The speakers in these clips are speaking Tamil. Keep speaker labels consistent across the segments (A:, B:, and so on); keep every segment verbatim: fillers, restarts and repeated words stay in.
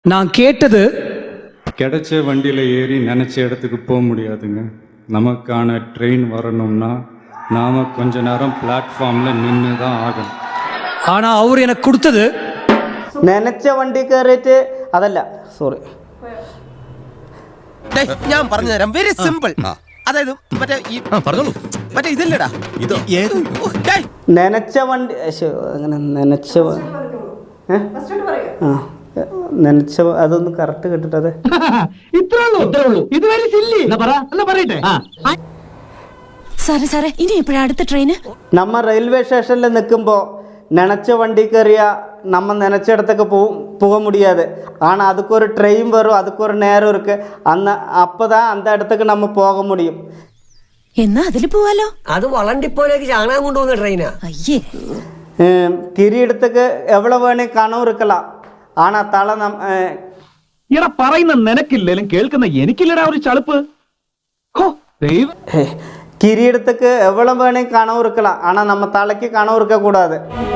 A: நான் கேட்டது
B: கிடைச்ச வண்டியில் ஏறி நினச்ச இடத்துக்கு போக முடியாதுங்க. நமக்கான ட்ரெயின் வரணும்னா நாம் கொஞ்ச நேரம் பிளாட்ஃபார்மில் நின்று தான் ஆகணும்.
A: ஆனால் அவர் எனக்கு கொடுத்தது
C: നനച്ച വണ്ടി കയറിയിട്ട് അതല്ല സോറി
D: ഞാൻ പറഞ്ഞു തരാം. Very simple. അതായത് മറ്റേ ഈ പറഞ്ഞോളൂ മറ്റേ ഇതല്ലടാ ഇത് ഏത്
C: നനച്ച വണ്ടി അങ്ങനെ നനച്ച ആ നനച്ച അതൊന്ന് കറക്റ്റ് കേട്ടിട്ടത്
E: സാറേ സാറേ ഇനി എപ്പോഴാ അടുത്ത ട്രെയിന്?
C: നമ്മ റെയിൽവേ സ്റ്റേഷനിൽ നിൽക്കുമ്പോൾ நினச்ச வண்டி கறியா நம்ம நினச்ச இடத்துக்கு போ போக முடியாது. ஆனால் அதுக்கு ஒரு ட்ரெயின் வரும், அதுக்கு ஒரு நேரம் இருக்குது. அந்த அப்போ தான் அந்த இடத்துக்கு நம்ம போக முடியும்.
E: എന്നാ അതില് പോവാലോ.
F: അത് വളണ്ടിപ്പോലേക്ക് ചാണകം കൊണ്ടുപോകുന്ന ട്രെയിനാ.
E: അയ്യേ
C: കിരീടத்துக்கு எவ்வளோ வேணும் கனவு இருக்கலாம். ஆனால் தலை நம்
G: ഇട പറയുന്ന നിനക്കില്ലേലും കേൾക്കുന്ന എനിക്കില്ലടാ ഒരു ചളുപ്പ്.
C: கிரீடத்துக்கு எவ்வளோ வேணும் கனவு இருக்கலாம். ஆனால் நம்ம தலைக்கு கனவு இருக்கக்கூடாது.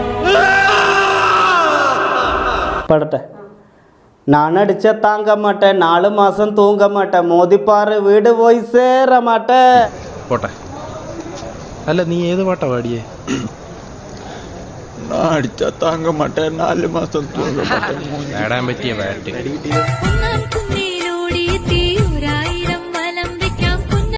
C: படட்ட நான் அடிச்ச தாங்க மாட்டேன், நாலு மாதம் தூங்க மாட்டேன், மோதிப்பாரு வீடு போய் சேர மாட்டேன்.
H: போட்ட അല്ല നീ ഏത് പാട്ടാ പാടിയേ?
B: நான் அடித்தா தாங்க மாட்டேன், நாலு மாதம் தூங்க மாட்டேன்.
H: പാടാൻ പറ്റിയ പാട്ട്